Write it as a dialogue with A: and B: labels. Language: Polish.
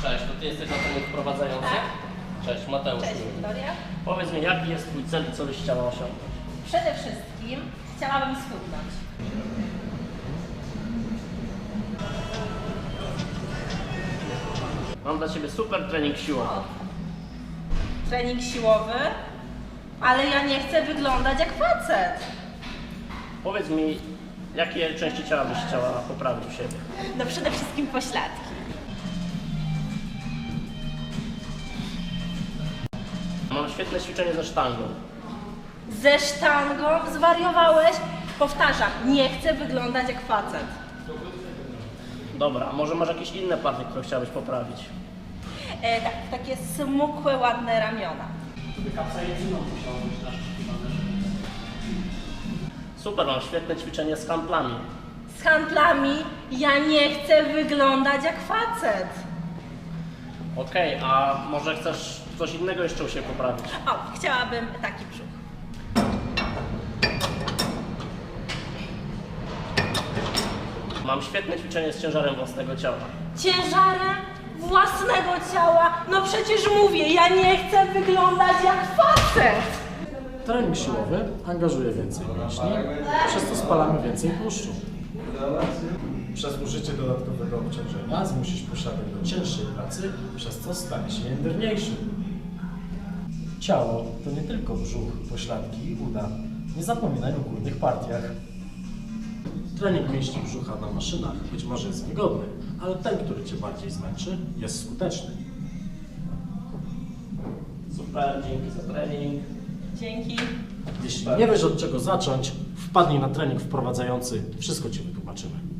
A: Cześć, to ty jesteś na trening wprowadzający?
B: Tak.
A: Cześć, Mateusz.
B: Cześć Wiktoria.
A: Powiedz mi, jaki jest twój cel i co byś chciała osiągnąć?
B: Przede wszystkim chciałabym schudnąć.
A: Mam dla ciebie super trening siłowy.
B: Trening siłowy, ale ja nie chcę wyglądać jak facet.
A: Powiedz mi, jakie części ciała byś chciała poprawić u siebie?
B: No przede wszystkim pośladki.
A: Mam świetne ćwiczenie ze sztangą.
B: Ze sztangą? Zwariowałeś? Powtarzam, nie chcę wyglądać jak facet.
A: Dobra, a może masz jakieś inne partie, które chciałabyś poprawić?
B: Tak, takie smukłe, ładne ramiona.
A: Super, mam świetne ćwiczenie z handlami.
B: Z handlami ja nie chcę wyglądać jak facet.
A: Okej, a może chcesz coś innego jeszcze u siebie poprawić?
B: O, chciałabym taki brzuch.
A: Mam świetne ćwiczenie z ciężarem własnego ciała.
B: Ciężarem własnego ciała? No przecież mówię, ja nie chcę wyglądać jak facet.
C: Trening siłowy angażuje więcej mięśni, przez co spalamy więcej tłuszczu. Przez użycie dodatkowego obciążenia zmusisz posiadek do cięższej pracy, przez co stanie się jędrniejszy. Ciało to nie tylko brzuch, pośladki i uda. Nie zapominaj o górnych partiach. Trening mięśni brzucha na maszynach być może jest wygodny, ale ten, który Cię bardziej zmęczy, jest skuteczny.
A: Super, dzięki za trening.
B: Dzięki.
C: Jeśli nie wiesz od czego zacząć, wpadnij na trening wprowadzający, wszystko Ci wytłumaczymy.